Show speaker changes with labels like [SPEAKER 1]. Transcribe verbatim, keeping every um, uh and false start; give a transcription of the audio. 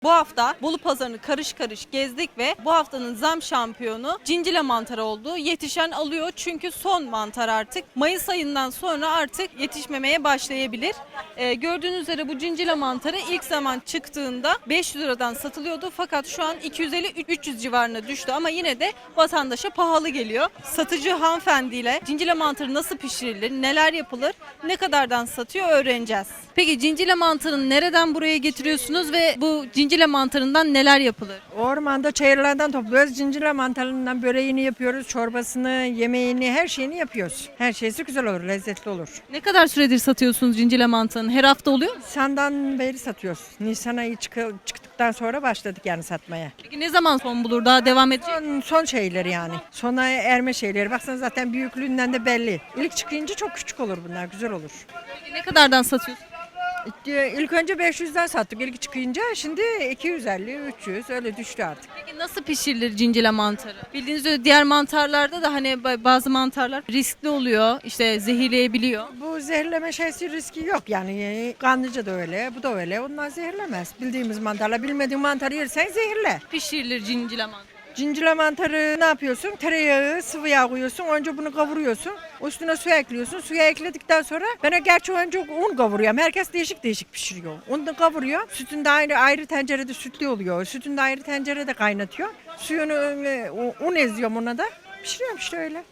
[SPEAKER 1] Bu hafta Bolu Pazarı'nı karış karış gezdik ve bu haftanın zam şampiyonu cincile mantarı oldu. Yetişen alıyor çünkü son mantar artık. Mayıs ayından sonra artık yetişmemeye başlayabilir. Ee, gördüğünüz üzere bu cincile mantarı ilk zaman çıktığında beş yüz liradan satılıyordu. Fakat şu an iki yüz elli üç yüz civarına düştü ama yine de vatandaşa pahalı geliyor. Satıcı hanımefendiyle cincile mantarı nasıl pişirilir, neler yapılır, ne kadardan satıyor öğreneceğiz. Peki cincile mantarını nereden buraya getiriyorsunuz ve bu cincile mantarından neler yapılır?
[SPEAKER 2] Ormanda çayırlardan topluyoruz. Cincirle mantarından böreğini yapıyoruz. Çorbasını, yemeğini, her şeyini yapıyoruz. Her şeysi güzel olur, lezzetli olur.
[SPEAKER 1] Ne kadar süredir satıyorsunuz cincile mantarını? Her hafta oluyor mu?
[SPEAKER 2] Nisan'dan beri satıyoruz. Nisan ayı çıkı- çıktıktan sonra başladık yani satmaya.
[SPEAKER 1] Peki ne zaman son bulur? Daha devam edecek mi?
[SPEAKER 2] Son, son şeyleri yani. Sona erme şeyleri. Baksana zaten büyüklüğünden de belli. İlk çıkınca çok küçük olur bunlar, güzel olur.
[SPEAKER 1] Peki ne kadardan satıyorsunuz?
[SPEAKER 2] İlk önce beş yüzden sattık ilk çıkınca. Şimdi iki yüz elli, üç yüz öyle düştü artık.
[SPEAKER 1] Peki nasıl pişirilir cincile mantarı? Bildiğiniz üzere diğer mantarlarda da hani ba- bazı mantarlar riskli oluyor, işte zehirleyebiliyor.
[SPEAKER 2] Bu zehirleme şeysi riski yok yani. Kanlıca da öyle, bu da öyle. Onlar zehirlemez. Bildiğimiz mantarla bilmediğin mantarı yersen zehirle.
[SPEAKER 1] Pişirilir cincile mantarı.
[SPEAKER 2] Cincile mantarı ne yapıyorsun? Tereyağı, sıvı yağ koyuyorsun. Önce bunu kavuruyorsun. Üstüne su ekliyorsun. Suya ekledikten sonra ben gerçi önce un kavuruyorum. Herkes değişik değişik pişiriyor. Onu da kavuruyor. Sütünü de ayrı, ayrı tencerede sütlü oluyor. Sütünü de ayrı tencerede kaynatıyor. Suyunu e, un eziyorum ona da. Pişiriyorum işte öyle.